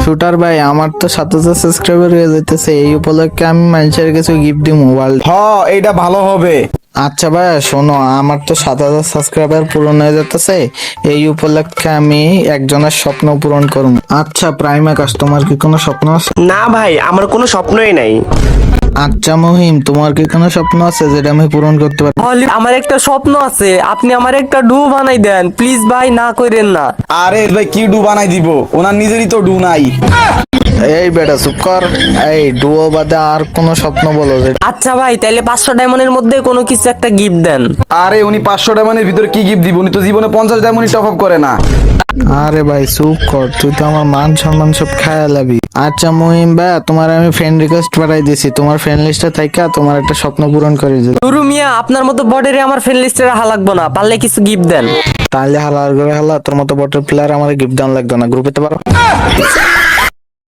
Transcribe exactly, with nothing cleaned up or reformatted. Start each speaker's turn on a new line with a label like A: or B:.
A: Shooter ভাই, আমার তো সাত হাজার সাবস্ক্রাইবার হয়ে যাইতেছে, এই উপলক্ষে আমি মানুষের কিছু গিফট দিব মোবাইল।
B: হ এইটা ভালো হবে।
A: আচ্ছা ভাইয়া শোনো, আমার তো সাত হাজার সাবস্ক্রাইবার পূরণ হয়ে যেতেছে, এই উপলক্ষে আমি একজনের স্বপ্ন পূরণ করব। আচ্ছা প্রাইম আকাশ, তোমার কি কোনো স্বপ্ন আছে?
C: না ভাই, আমার কোনো স্বপ্নই নাই।
A: আচ্ছা মহিম, তোমার কি কোনো স্বপ্ন আছে যেটা আমি পূরণ করতে পারি?
D: হলি, আমার একটা স্বপ্ন আছে, আপনি আমার একটা ডু বানাই দেন প্লিজ ভাই, না করেন না।
B: আরে ভাই কি ডু বানাই দিব, ওনার নিজেরই তো ডু নাই।
A: এই বেটা চুপ কর। এই ডুয়ো বাদে আর কোনো স্বপ্ন বলো যে।
D: আচ্ছা ভাই, তাইলে পাঁচশো ডায়মন্ডের মধ্যে কোনো কিছু একটা গিফট দেন।
B: আরে উনি পাঁচশো ডায়মন্ডের ভিতরে কি গিফট দিব, উনি তো জীবনে পঞ্চাশ ডায়মন্ড টপ আপ করে না।
A: আরে ভাই চুপ কর, তুই তো আমার মান সম্মান সব খায়া লাবি। আচ্ছা মহিম ভাই, তোমার আমি ফ্রেন্ড রিকোয়েস্ট পাঠাই দিছি, তোমার ফ্রেন্ড লিস্টে থাইকা তোমার একটা স্বপ্ন পূরণ করে দিল।
D: নুরু মিয়া, আপনার মতো বডিরে আমার ফ্রেন্ড লিস্টে রাখা লাগবো না, পারলে কিছু গিফট দেন।
A: তাহলে হালার করে হালা, তোর মতো বটের প্লেয়ার আমার গিফট দান লাগতো না, গ্রুপে তো পারো।